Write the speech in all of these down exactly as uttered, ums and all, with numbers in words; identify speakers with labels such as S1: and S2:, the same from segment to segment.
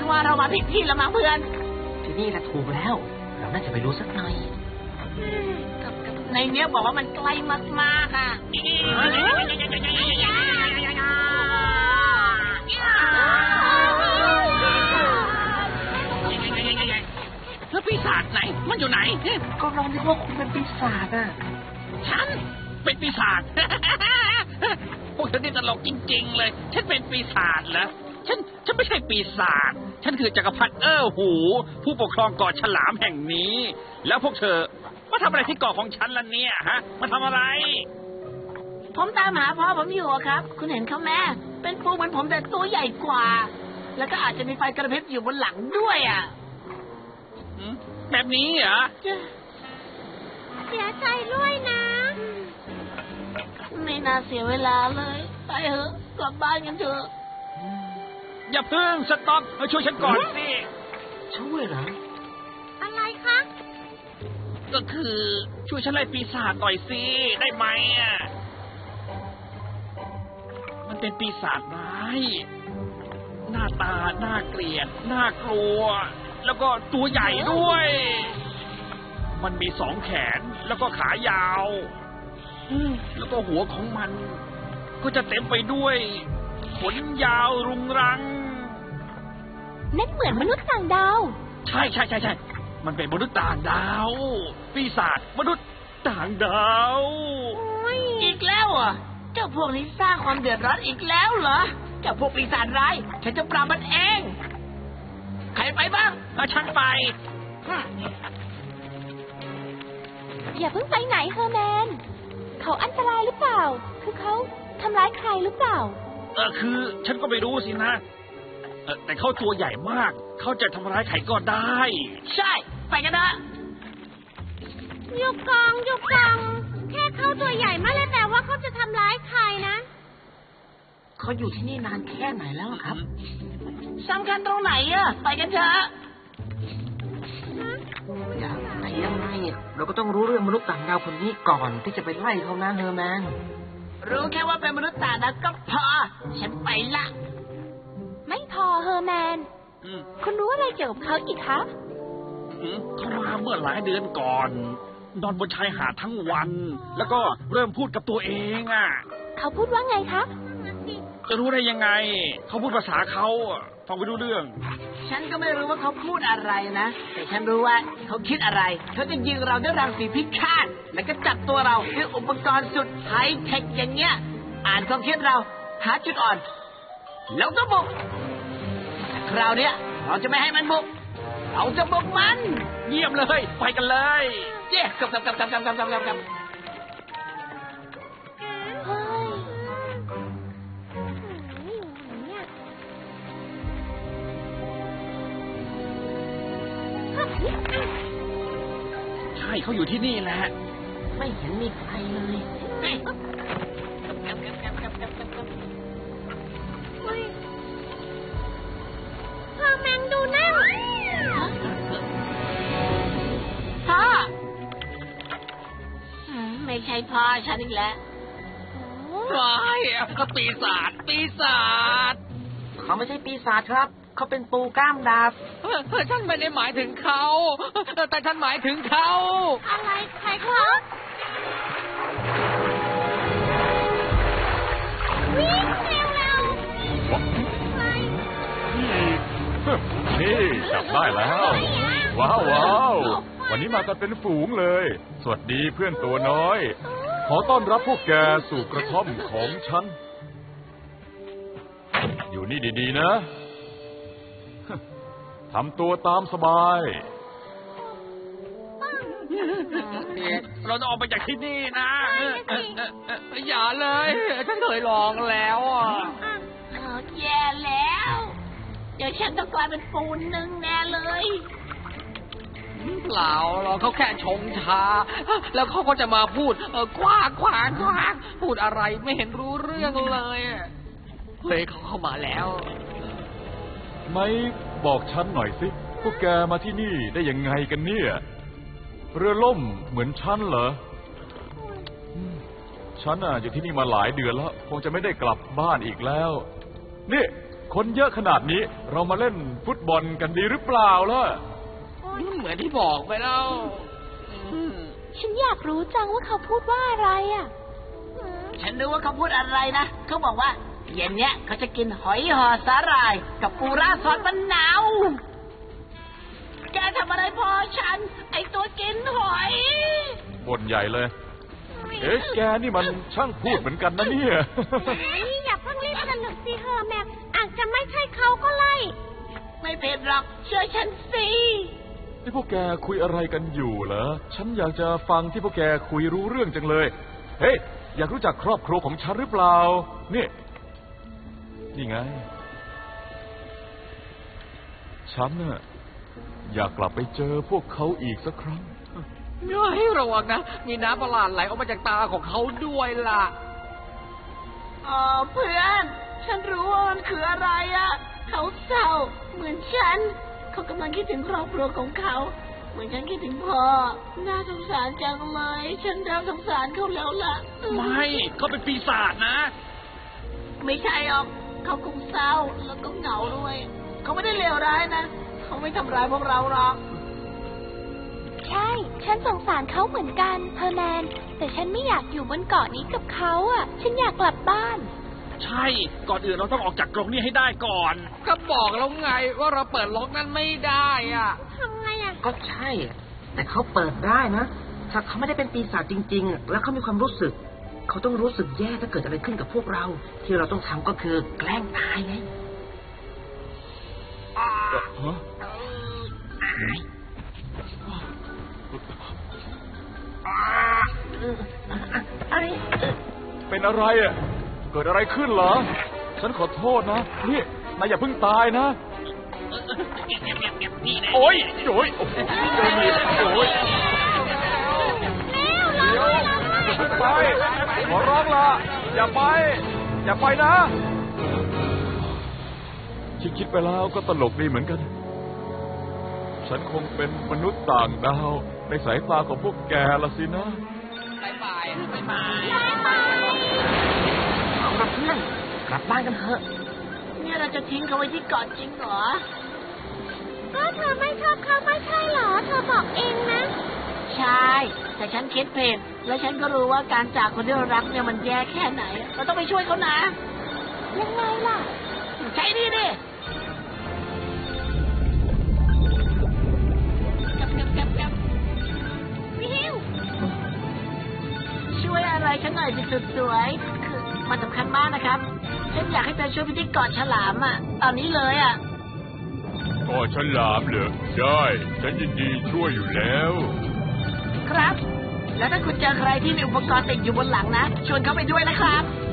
S1: ว่าเรามาผิดที่แล้วมั้งเพื่อน
S2: ที่นี่แหละถูกแล้วเราน่าจะไปดูสักหน่อย
S1: ในเนี้ยบอกว่ามันไกลมากๆอ่ะ
S3: แล้วปีศาจไหนมันอยู่ไหน
S2: ก็ลองดูว่าคุณเป็นปีศาจอ่ะ
S3: ฉันเป็นปีศาจพวกเธอนี่ตลกจริงๆเลยฉันเป็นปีศาจเหรอฉันฉันไม่ใช่ปีศาจฉันคือจักรพรรดิเอ้อหูผู้ปกครองเกาะฉลามแห่งนี้แล้วพวกเธอมาทำอะไรที่เกาะของฉันล่ะเนี่ยฮะมาทำอะไร
S1: ผมตามหาพ่อผมอยู่ครับคุณเห็นเขาแม่เป็นปูเหมือนผมแต่ตัวใหญ่กว่าแล้วก็อาจจะมีไฟกระพริบอยู่บนหลังด้วยอ่ะ
S3: แบบนี้เหรอ
S4: เสียใจด้วยนะ
S1: ไม่น่าเสียเวลาเลยไปเถอะกลับบ้านกันเถอะ
S3: อย่าเพิ่งสต็อปมาช่วยฉันก่อนสิ
S2: ช่วยเหรอ
S4: อะไรคะ
S3: ก็คือช่วยฉันไล่ปีศาจหน่อยสิได้ไหมอ่ะมันเป็นปีศาจร้ายหน้าตาน่าเกลียดน่ากลัวแล้วก็ตัวใหญ่ด้วยมันมีสองแขนแล้วก็ขายาวแล้วก็หัวของมันก็จะเต็มไปด้วยขนยาวรุงรัง
S4: นั่นเหมือนมนุษย์ต่างดาว
S3: ใช่ใช่ใช่ใช่มันเป็นมนุษย์ต่างดาวปีศาจมนุษย์ต่างดาว
S1: อีกแล้วอ่ะเจ้าพวกนี้สร้างความเดือดร้อนอีกแล้วเหรอเจ้าพวกปีศาจร้ายฉันจะปราบมันเองใครไปบ้าง
S3: เอาฉันไป
S4: อย่าเพิ่งไปไหนเฮอร์แมนเขาอันตรายหรือเปล่าคือเขาทำร้ายใครหรือเปล่า
S3: เออคือฉันก็ไม่รู้สินะเออแต่เขาตัวใหญ่มากเขาจะทำร้ายใครก็ได้
S1: ใช่ไปกันนะ
S4: หยุดกองหยุดกองแค่เขาตัวใหญ่ไม่ได้แปลว่าเขาจะทำร้ายใครนะ
S2: เขาอยู่ที่นี่นานแค่ไหนแล้วครับ
S1: สำคัญตรงไหนอะไปกันเถอะ
S2: อย่างไหนยังไงเราก็ต้องรู้เรื่องมนุษย์ต่างดาวคนนี้ก่อนที่จะไปไล่เขานะเฮอร์แมน
S1: รู้แค่ว่าเป็นมนุษย์ต่างดาวก็พอฉันไปละ
S4: ไม่พอเฮอร์แมนคุณรู้อะไรเกี่ยวกับเขาอีกคะ
S3: เขามาเมื่อหลายเดือนก่อนนอนบนชายหาดทั้งวันแล้วก็เริ่มพูดกับตัวเองอ่ะ
S4: เขาพูดว่าไงคะ
S3: จะรู้ได้ยังไงเขาพูดภาษาเขาฟังไม่รู้เรื่อง
S1: ฉันก็ไม่รู้ว่าเขาพูดอะไรนะแต่ฉันรู้ว่าเขาคิดอะไรเขาจะยิงเราด้วยรังสีพิฆาตแล้วก็จับตัวเราด้วยอุปกรณ์สุดไฮเทคอย่างเงี้ยอ่านความคิดเราหาจุดอ่อนแล้วก็บุกคราวนี้เราจะไม่ให้มันบุกเราจะบุกมัน
S3: เยี่ยมเลยไปกันเลย
S1: เจ๊กับกับกับกับกับกับกับกับ
S3: ใช่เขาอยู่ที่นี่แหละ
S2: ไม่เห็นมีใครเลย
S4: พ่อแมงดูนั่น
S1: พ่อไม่ใช่พ่อฉันอีกแล้ว
S3: ว้ายก็ปีศาจปีศาจ
S2: เขาไม่ใช่ปีศาจครับเขาเป็นปูก้ามดาบ
S3: ฉันไม่ได้หมายถึงเขาแต่ฉันหมายถึงเขา
S4: อะไรใครครับวิ่งเร็วเร็ว
S5: นี่จับได้แล้วว้าวว้าววันนี้มากันเป็นฝูงเลยสวัสดีเพื่อนตัวน้อยขอต้อนรับพวกแกสู่กระท่อมของฉันอยู่นี่ดีๆนะทำตัวตามสบาย
S3: เราจะออกไปจากที่นี่นะอย่าเลยฉันเคยลองแล้วอ่ะ
S1: แย่แล้วเดี๋ยวฉันต้องกลายเป็นปูนหนึ่งแน่เลย
S3: เปล่าเราเขาแค่ชงชาแล้วเขาก็จะมาพูดเออกว้างกว้างกว้างพูดอะไรไม่เห็นรู้เรื่องเลยเฮ้ยเขาเข้ามาแล้ว
S5: ไม่บอกฉันหน่อยสิพวกแกมาที่นี่ได้ยังไงกันเนี่ยเรือล่มเหมือนฉันเหรอฉันอ่ะอยู่ที่นี่มาหลายเดือนแล้วคงจะไม่ได้กลับบ้านอีกแล้วนี่คนเยอะขนาดนี้เรามาเล่นฟุตบอลกันดีหรือเปล่าล่ะ
S3: เหมือนที่บอกไปแล้ว
S4: ฉันอยากรู้จังว่าเขาพูดว่าอะไรอ่ะ
S1: ฉันรู้ว่าเขาพูดอะไรนะเขาบอกว่าเย็นเนี้ยเขาจะกินหอยห่อสาหร่ายกับปูราซอสมะนาวแกทำอะไรพ่อฉัน ไอตัวกินหอย
S5: บ่นใหญ่เลย เอ๊ะแกนี่มันช่างพูดเหมือนกันนะเนี่ย
S4: อย่าเพิ่งรีบสนุกสิเฮอร์แมนอาจจะไม่ใช่เขาก็ไล่
S1: ไม่เป็นหรอกเชื่อฉันสิ
S5: ที่พวกแกคุยอะไรกันอยู่เหรอ ฉันอยากจะฟังที่พวกแกคุยรู้เรื่องจังเลย เฮ้ย อยากรู้จักครอบครัวของฉันหรือเปล่า นี่ นี่ไง ฉันน่ะอยากกลับไปเจอพวกเขาอีกสักครั้ง
S2: ให้ระวังนะ มีน้ำประหลาดไหลออกมาจากตาของเขาด้วยล่ะ
S1: อ๋อเพื่อน ฉันรู้ว่ามันคืออะไรอ่ะ เขาเศร้าเหมือนฉัน เขากำลังคิดถึงครอบครัวของเขา เหมือนฉันคิดถึงพ่อ น่าสงสารจังเลย ฉันเริ่มสงสารเขาแล้วล่ะ
S3: ไม่เขาเป็นปีศาจนะ
S1: ไม่ใช่หรอก เขาคงเศร้าแล้วก็เหงาด้วย เขาไม่ได้เลวร้ายนะ เขาไม่ทำร้ายพวกเราหรอก
S4: ใช่ ฉันสงสารเขาเหมือนกันเฮอร์แมน แต่ฉันไม่อยากอยู่บนเกาะนี้กับเขาอ่ะ ฉันอยากกลับบ้าน
S3: ใช่ ก่อนอื่นเราต้องออกจากกรงนี้ให้ได้ก่อน
S2: ก็บอกแล้วไงว่าเราเปิดล็อกนั้นไม่ได้อ่ะ
S4: ทำไงอ่ะ
S2: ก็ใช่ แต่เขาเปิดได้นะ ถ้าเขาไม่ได้เป็นปีศาจจริงๆ แล้วเขามีความรู้สึก เขาต้องรู้สึกแย่ถ้าเกิดอะไรขึ้นกับพวกเรา ที่เราต้องทำก็คือแกล้งตายไง
S5: ฮะ เป็นอะไรอ่ะ เกิดอะไรขึ้นเหรอ ฉันขอโทษนะ นี่นายอย่าเพิ่งตายนะ โอ๊ยโอ๊ยโอ้โหเจอมีดโอ๊ยเดี๋ยวอย่าเพิ่งไป ขอร้องละอย่าไป อย่าไปนะคิดคิดไปแล้วก็ตลกดีเหมือนกัน ฉันคงเป็นมนุษย์ต่างดาวในสายตาของพวกแกละสินะ
S2: บายบายบายบาย
S1: เอาละเพื่อน กลับบ้านกันเถอะ เนี่ยเราจะทิ้งเขาไว้ที่เกาะจริงเหรอ
S4: ก็เธอไม่ชอบเขาไม่ใช่เหรอ เธอบอกเองนะ
S1: ใช่ แต่ฉันคิดผิดและฉันก็รู้ว่าการจากคนที่เรารักเนี่ยมันแย่แค่ไหน เราต้องไปช่วยเขานะ
S4: ยังไงล่ะ
S1: ใช่ดิดิกับกับกับกับ
S4: วิว
S1: ช่วยอะไรฉันหน่อยสิสุดสวย คือมันสำคัญมากนะครับ ฉันอยากให้เธอช่วยพิธีเกาะฉลามอ่ะ ตอนนี้เลยอ่ะ
S5: ก็ฉลามเหรอได้ ฉันยินดีช่วยอยู่แล้ว
S1: ครับ แล้วถ้าคุณเจอใครที่มีอุปกรณ์ติดอยู่บนหลังนะ ชวนเขาไปด้วยนะครับ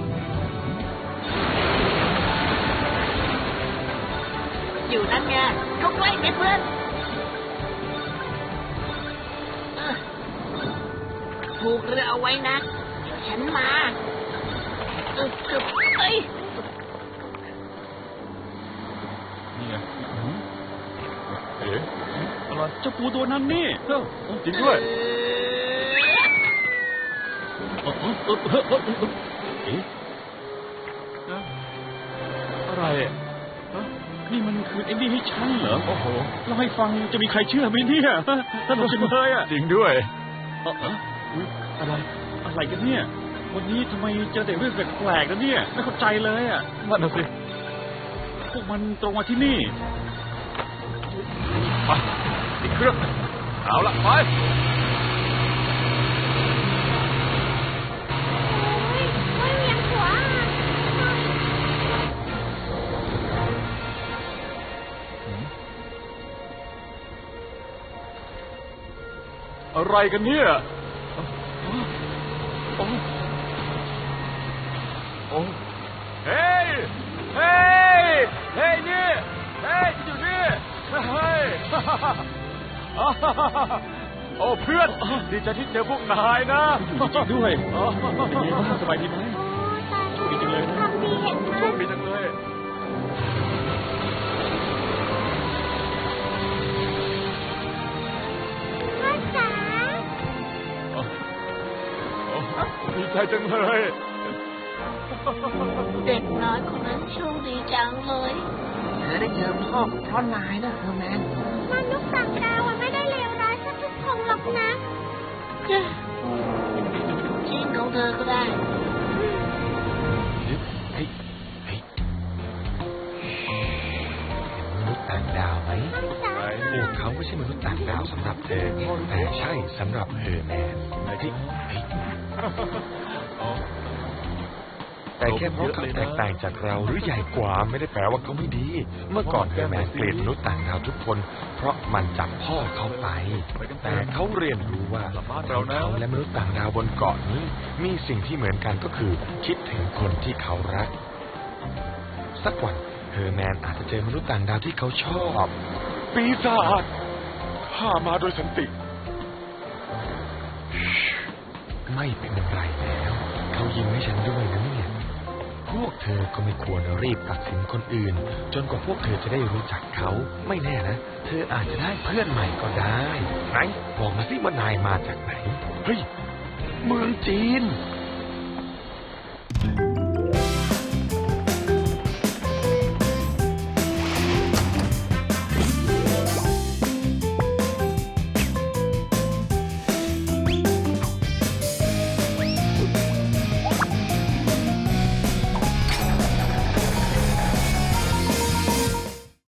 S1: อยู่นั่นไงเขาใกล้ไหมเพื่อนเออผูกเรือเอาไว้นะเดี๋ยวฉันมาเออเออเอ้ย
S5: นี่ไงเอ๊ะอะไร
S3: เจ้าปูตัวนั้นนี่เออ
S5: จริงด้วย
S3: เออเออเออเออเออเอ๊ะ
S5: อะไรอ่ะ
S3: ฮะนี่มันคือไอ้นี่ให้ฉันเหรอ
S5: โอ้โห
S3: เล่าให้ฟังจะมีใครเชื่อไหมเนี่ยสนุกจังเลยอ่ะ
S5: จริงด้วย
S3: เออเอออุ๊ย
S5: อะไร
S3: อะไรกันเนี่ย วันนี้ทำไมเจอแต่เรื่องแปลกๆกันเนี่ย ไม่เข้าใจเลยอ่ะ
S5: นั่นน่ะสิ
S3: พวกมันตรงมาที่นี่
S5: ไปติดเครื่อง เอาละไป
S4: ไม่เวียนหัว
S5: อะไรกันเนี่ย โอ้โอ้เฮ้ย เฮ้ย เฮ้ยนี่ เฮ้ยอยู่นี่ เฮ้ย โอ้เพื่อน ดีใจที่เจอพวกนายนะ
S3: จริงด้วยเป็นไงบ้างสบายดีไหม
S4: โอ้ตาย
S3: โชคดีจังเลยนะ
S4: ทำดีเห็นไหม
S5: โชคดีจังเลย
S4: พ่อจ๋า
S5: โอ้ดีใจจังเลย พวก
S4: เด็กน้อยคนนั้นโชคดีจังเลย
S2: เธอได้เจอพ่อเพราะนายนะเฮอร์แมน
S4: มนุษย์ต่างดาวมันไม่ได้เลวร้ายสักทุกคนหรอกนะ
S1: จริงของเธอก็ได้
S6: เฮ้ยเฮ้ยเห็นมนุษย์ต่างดาวไหมพวกเขาไม่ใช่มนุษย์ต่างดาวสำหรับเธอแต่ใช่สำหรับเฮอร์แมนเฮ้ยเฮ้ยแต่แค่เพราะเขาแตกต่างจากเราหรือใหญ่กว่าไม่ได้แปลว่าเขาไม่ดี เมื่อก่อนเฮอร์แมนเกลียดมนุษย์ต่างดาวทุกคนเพราะมันจับพ่อเขาไปแต่เขาเรียนรู้ว่าเขาและมนุษย์ต่างดาวบนเกาะนี้มีสิ่งที่เหมือนกันก็คือคิดถึงคนที่เขารักสักวันเฮอร์แมนอาจจะเจอมนุษย์ต่างดาวที่เขาชอบปีศาจข้ามาโดยสันติไม่เป็นไรแล้วเขายิ้มให้ฉันด้วยนะเนี่ยพวกเธอก็ไม่ควรรีบตัดสินคนอื่นจนกว่าพวกเธอจะได้รู้จักเขาไม่แน่นะเธออาจจะได้เพื่อนใหม่ก็ได้ไหนบอกมาสิว่านายมาจากไหนเฮ้ยเมืองจีน